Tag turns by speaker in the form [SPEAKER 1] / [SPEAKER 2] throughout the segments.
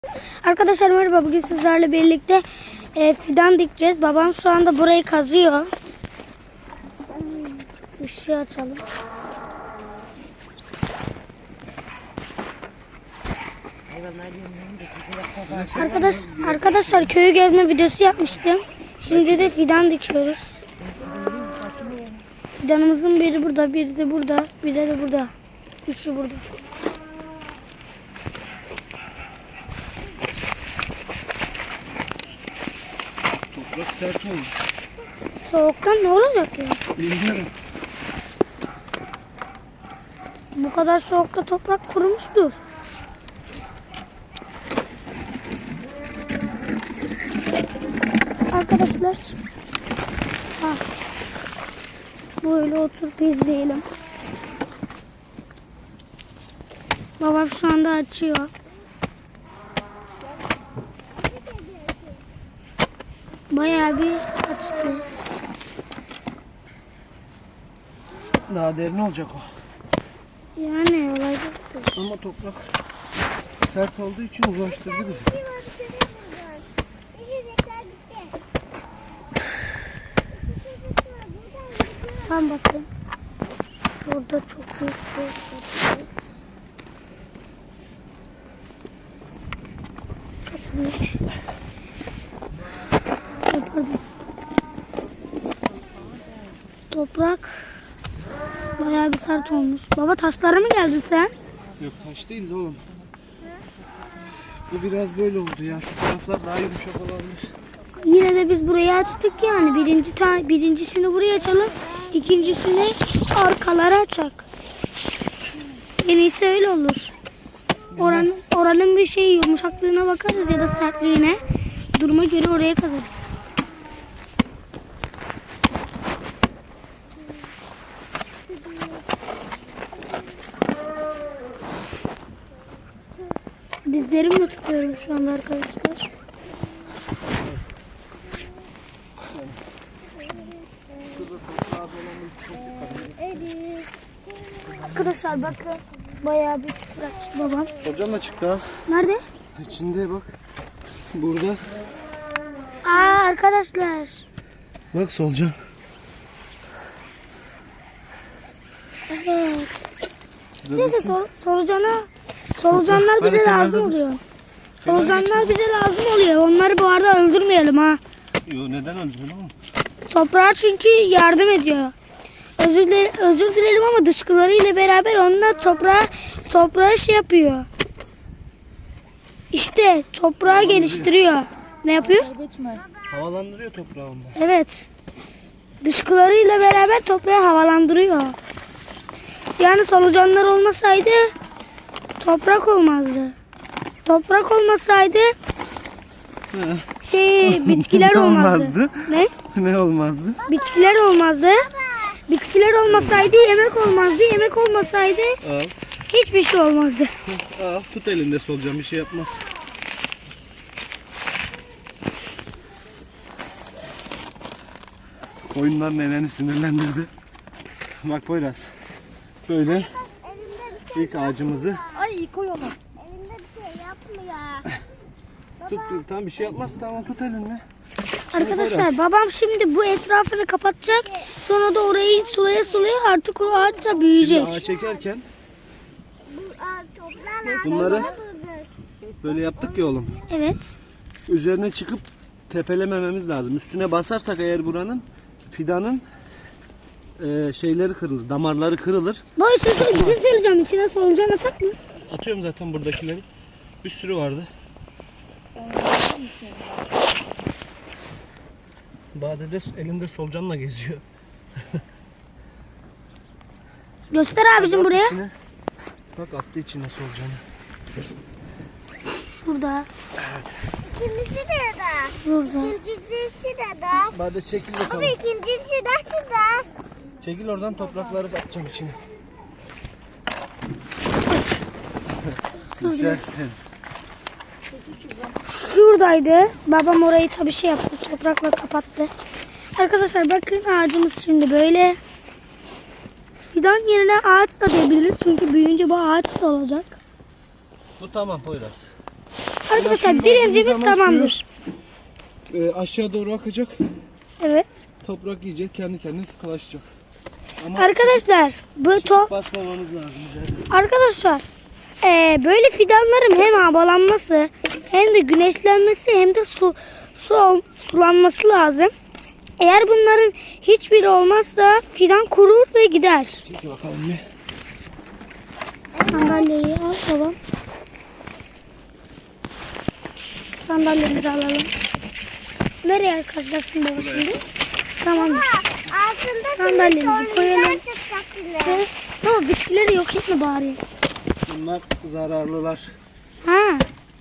[SPEAKER 1] Arkadaşlar merhaba, bugün sizlerle birlikte fidan dikeceğiz. Babam şu anda burayı kazıyor. Işığı açalım. Arkadaşlar köyü gezme videosu yapmıştım. Şimdi de fidan dikiyoruz. Fidanımızın biri burada, biri de burada, biri de burada. Üçü burada.
[SPEAKER 2] Toprak sert olmuş.
[SPEAKER 1] Soğuktan ne olacak ya?
[SPEAKER 2] Bilmiyorum.
[SPEAKER 1] Bu kadar soğukta toprak kurumuştur. Arkadaşlar. Böyle oturup izleyelim. Babam şu anda açıyor. Bayağı bir açtı.
[SPEAKER 2] Daha derin olacak o.
[SPEAKER 1] Yani olacaktır.
[SPEAKER 2] Ama toprak sert olduğu için uğraştırdı bizi.
[SPEAKER 1] Sen bakın. Şurada çok büyük bir şey. Çok büyük. Pardon. Toprak bayağı bir sert olmuş. Baba taşlara mı geldin sen?
[SPEAKER 2] Yok, taş değil de oğlum. Bu biraz böyle oldu ya. Şu taraflar daha yumuşak olabilir.
[SPEAKER 1] Yine de biz burayı açtık yani. Birincisini buraya açalım. İkincisini arkalara açak. En iyisi öyle olur. Oranın bir şey yumuşaklığına bakarız ya da sertliğine. Duruma göre oraya kazarız. Dizlerimle tutuyorum şu anda arkadaşlar. Arkadaşlar bakın, bayağı bir çukur açtı babam.
[SPEAKER 2] Solucan da çıktı ha.
[SPEAKER 1] Nerede?
[SPEAKER 2] İçinde bak. Burada.
[SPEAKER 1] Arkadaşlar.
[SPEAKER 2] Bak solucan.
[SPEAKER 1] Evet. Neyse solucanlar bize lazım oluyor. Solucanlar bize lazım oluyor. Onları bu arada öldürmeyelim ha.
[SPEAKER 2] Yo, neden öldürdün oğlum?
[SPEAKER 1] Toprağa çünkü yardım ediyor. Özür dilerim ama dışkılarıyla beraber onlar toprağa şey yapıyor. İşte toprağı geliştiriyor. Ne yapıyor?
[SPEAKER 2] Havalandırıyor toprağı onda.
[SPEAKER 1] Evet. Dışkılarıyla beraber toprağı havalandırıyor. Yani solucanlar olmasaydı toprak olmazdı. Toprak olmasaydı bitkiler olmazdı. Ne?
[SPEAKER 2] Ne olmazdı?
[SPEAKER 1] Bitkiler olmazdı. Bitkiler olmasaydı yemek olmazdı. Yemek olmasaydı
[SPEAKER 2] Al.
[SPEAKER 1] hiçbir şey olmazdı.
[SPEAKER 2] Al, tut elinde solucan, bir şey yapmaz. Oyunlar neneni sinirlendirdi. Bak Poyraz. Böyle ilk ağacımızı
[SPEAKER 1] Ay koy onu.
[SPEAKER 3] Elimde bir şey yapma ya.
[SPEAKER 2] tut. Tamam, bir şey yapmaz. Tamam, tut elinde.
[SPEAKER 1] Arkadaşlar babam şimdi bu etrafını kapatacak. Sonra da orayı sulaya artık o ağaç da büyüyecek.
[SPEAKER 2] Şimdi ağaç çekerken
[SPEAKER 3] Bu toprağın
[SPEAKER 2] bunları
[SPEAKER 3] altına vurduk.
[SPEAKER 2] böyle yaptık ya oğlum.
[SPEAKER 1] Evet.
[SPEAKER 2] Üzerine çıkıp tepelemememiz lazım. Üstüne basarsak eğer buranın fidanın şeyleri kırılır, damarları kırılır.
[SPEAKER 1] Bu bir şey söyleyeceğim. İçine solucan atak mı?
[SPEAKER 2] Atıyorum zaten buradakileri. Bir sürü vardı. Bade de elinde solucanla geziyor.
[SPEAKER 1] Göster abicim
[SPEAKER 2] Bak
[SPEAKER 1] buraya.
[SPEAKER 2] içine. Bak, attı içine solucanı.
[SPEAKER 1] Şurada.
[SPEAKER 3] İkincisi de da.
[SPEAKER 1] Şurada.
[SPEAKER 3] İkincisi de da.
[SPEAKER 2] Bade çekil bakalım.
[SPEAKER 3] İkincisi de şurada.
[SPEAKER 2] Çekil oradan, toprakları atacağım içine. Düşersin.
[SPEAKER 1] Şuradaydı. Babam orayı tabii şey yaptı. Toprakla kapattı. Arkadaşlar bakın ağacımız şimdi böyle. Fidan yerine ağaç da diyebiliriz. Çünkü büyüyünce bu ağaç da olacak.
[SPEAKER 2] Bu tamam Poyraz.
[SPEAKER 1] Arkadaşlar
[SPEAKER 2] Suyu
[SPEAKER 1] birincimiz
[SPEAKER 2] verdiğimiz zaman
[SPEAKER 1] tamamdır.
[SPEAKER 2] Aşağı doğru akacak.
[SPEAKER 1] Evet.
[SPEAKER 2] Toprak yiyecek, kendi kendine sıkılaşacak. Ama
[SPEAKER 1] Arkadaşlar bu
[SPEAKER 2] çıkıp basmamamız lazım üzerine.
[SPEAKER 1] Arkadaşlar böyle fidanların hem havalanması hem de güneşlenmesi hem de sulanması lazım. Eğer bunların hiçbiri olmazsa fidan kurur ve gider.
[SPEAKER 2] Çekil bakalım bir.
[SPEAKER 1] Sandalyeyi al babam. Sandalyemizi alalım. Nereye kazacaksın baba şimdi? Tamam.
[SPEAKER 3] Altında
[SPEAKER 1] Sandalyemizi koyalım.
[SPEAKER 3] çıkacak yine.
[SPEAKER 1] Ve baba bitkileri yok etme bari.
[SPEAKER 2] Bunlar zararlılar.
[SPEAKER 1] Ha.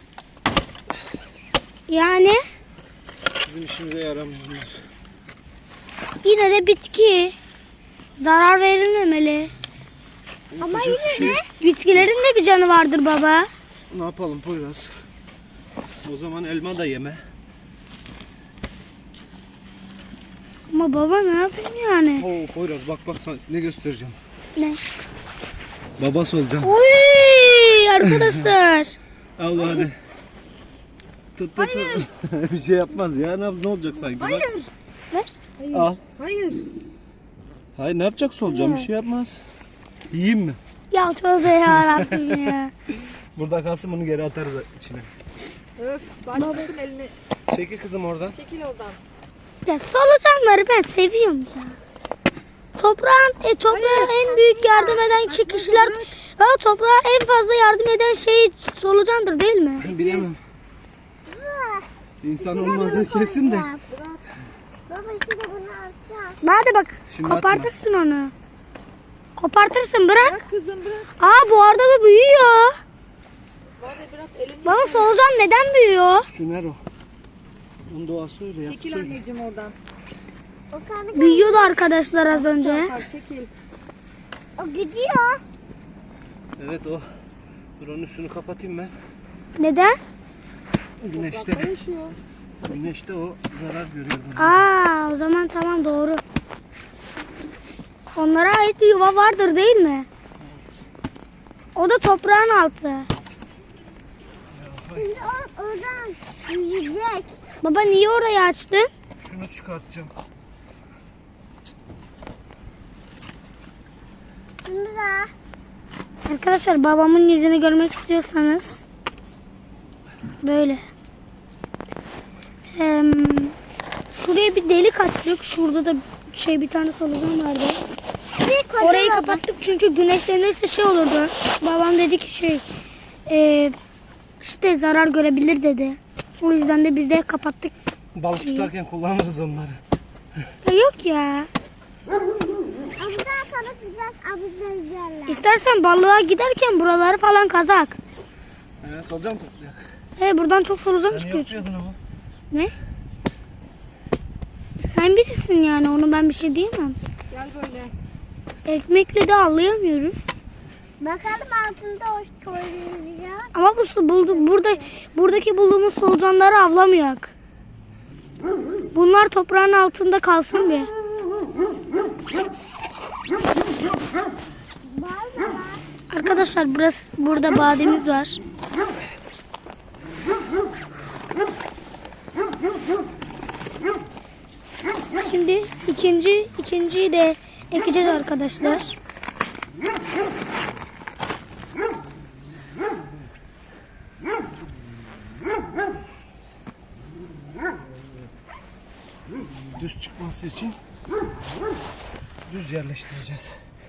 [SPEAKER 1] Yani
[SPEAKER 2] Bizim işimize yaramıyor bunlar.
[SPEAKER 1] yine de bitki zarar verilmemeli.
[SPEAKER 2] Ama yine
[SPEAKER 1] Bitkilerin de bir canı vardır baba.
[SPEAKER 2] Ne yapalım Poyraz? O zaman elma da yeme.
[SPEAKER 1] Ama baba ne yapayım yani?
[SPEAKER 2] Oo Poyraz bak sana ne göstereceğim.
[SPEAKER 1] Ne?
[SPEAKER 2] Babası olacağım.
[SPEAKER 1] Oy arkadaşlar.
[SPEAKER 2] Al hadi. Tut. Bir şey yapmaz ya. Ne olacak sanki? Bak.
[SPEAKER 1] Ver.
[SPEAKER 2] Al.
[SPEAKER 4] Hayır.
[SPEAKER 2] Hayır ne yapacak solucan? Bir şey yapmaz. Yiyeyim mi?
[SPEAKER 1] Ya tövbe yarabbim ya.
[SPEAKER 2] Burada kalsın bunu geri atarız içine.
[SPEAKER 4] Öf. Başlatın elini.
[SPEAKER 2] Çekil kızım oradan.
[SPEAKER 4] Çekil oradan.
[SPEAKER 1] Ya solucanları ben seviyorum ya. Toprağa en büyük yardım eden kişiler ve toprağa en fazla yardım eden şey solucandır değil mi?
[SPEAKER 2] Bilemem. İnsan olmadığı kesin de.
[SPEAKER 3] Baba şimdi bunu atacağım.
[SPEAKER 1] Hadi bak
[SPEAKER 2] Şimdi
[SPEAKER 1] kopartırsın onu. Kopartırsın bırak.
[SPEAKER 4] Bırak kızım bırak.
[SPEAKER 1] Aa bu arada bu büyüyor.
[SPEAKER 4] Hadi bırak elini.
[SPEAKER 1] Baba solucan neden büyüyor?
[SPEAKER 2] Süner o. Onun doğası öyle yapısı
[SPEAKER 4] Çekil
[SPEAKER 2] öyle.
[SPEAKER 4] anneciğim oradan.
[SPEAKER 3] O kanı
[SPEAKER 1] Büyüyordu arkadaşlar az önce.
[SPEAKER 4] Çarpar, çekil.
[SPEAKER 3] o gidiyor.
[SPEAKER 2] Evet o. Dur onun üstünü kapatayım ben.
[SPEAKER 1] Neden?
[SPEAKER 2] Güneşte.
[SPEAKER 4] Yaşıyor.
[SPEAKER 2] Güneşte o zarar görüyor. buna.
[SPEAKER 1] Aa o zaman tamam doğru. Onlara ait bir yuva vardır değil mi? O da toprağın altı.
[SPEAKER 3] Şimdi o oradan yiyecek.
[SPEAKER 1] Baba niye orayı açtın?
[SPEAKER 2] Şunu çıkartacağım.
[SPEAKER 3] Şimdi de
[SPEAKER 1] Arkadaşlar babamın yüzünü görmek istiyorsanız böyle. Şuraya bir delik açtık. Şurada da bir tane solucan vardı. Orayı kapattık çünkü güneşlenirse şey olurdu. Babam dedi ki işte zarar görebilir dedi. O yüzden de biz de kapattık.
[SPEAKER 2] Balık tutarken kullanırız onları.
[SPEAKER 1] Ya yok ya.
[SPEAKER 3] abiden sonra biraz abiden üzerler.
[SPEAKER 1] İstersen balığa giderken buraları falan kazak.
[SPEAKER 2] Solucan mı toplayacak?
[SPEAKER 1] Buradan çok solucan
[SPEAKER 2] Hani
[SPEAKER 1] çıkıyor.
[SPEAKER 2] yapıyordun ama.
[SPEAKER 1] Ne? Sen bilirsin yani onu ben bir şey diyemem.
[SPEAKER 4] Gel böyle.
[SPEAKER 1] Ekmekle de avlayamıyoruz.
[SPEAKER 3] Bakalım altında o koyuyor.
[SPEAKER 1] Ama buradaki bulduğumuz solucanları avlamayak. Bunlar toprağın altında kalsın bir. Arkadaşlar burada bademiz var. Şimdi ikinciyi de ekeceğiz arkadaşlar.
[SPEAKER 2] Düz çıkması için düz yerleştireceğiz.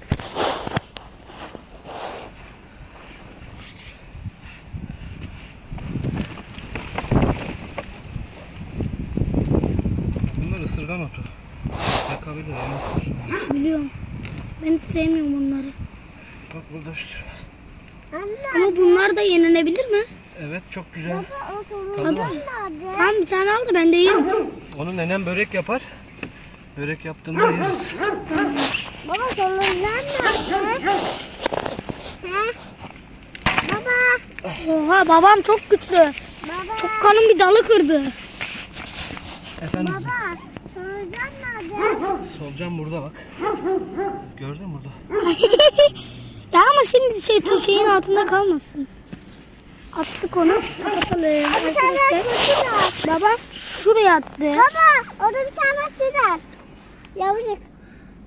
[SPEAKER 2] Bunlar ısırgan otu. Yakabilir ama ısırır.
[SPEAKER 1] Biliyorum. Ben hiç sevmiyorum bunları.
[SPEAKER 2] Bak burada bir sürü var.
[SPEAKER 3] Anne
[SPEAKER 1] Ama bunlar da yenilebilir mi?
[SPEAKER 2] Evet çok güzel.
[SPEAKER 3] o
[SPEAKER 2] Tadı
[SPEAKER 3] solucan
[SPEAKER 2] var.
[SPEAKER 3] nerede?
[SPEAKER 1] Tamam bir tane al da ben de yerim.
[SPEAKER 2] Onu nenem börek yapar. Börek yaptığında yeriz.
[SPEAKER 3] Baba solucan nerede? He? Baba.
[SPEAKER 1] Oha babam çok güçlü.
[SPEAKER 3] Baba.
[SPEAKER 1] Çok kanın bir dalı kırdı.
[SPEAKER 2] Efendim
[SPEAKER 3] Baba. Solucan nerede?
[SPEAKER 2] solucan burada bak. Gördün mü burada?
[SPEAKER 1] Ya ama şimdi şeyin altında kalmasın. Attık onu. Kapatalım
[SPEAKER 3] Bir tane
[SPEAKER 1] arkadaşlar.
[SPEAKER 3] sürer.
[SPEAKER 1] Baba şuraya attı.
[SPEAKER 3] Baba orada bir tane sürer. Yavrucak.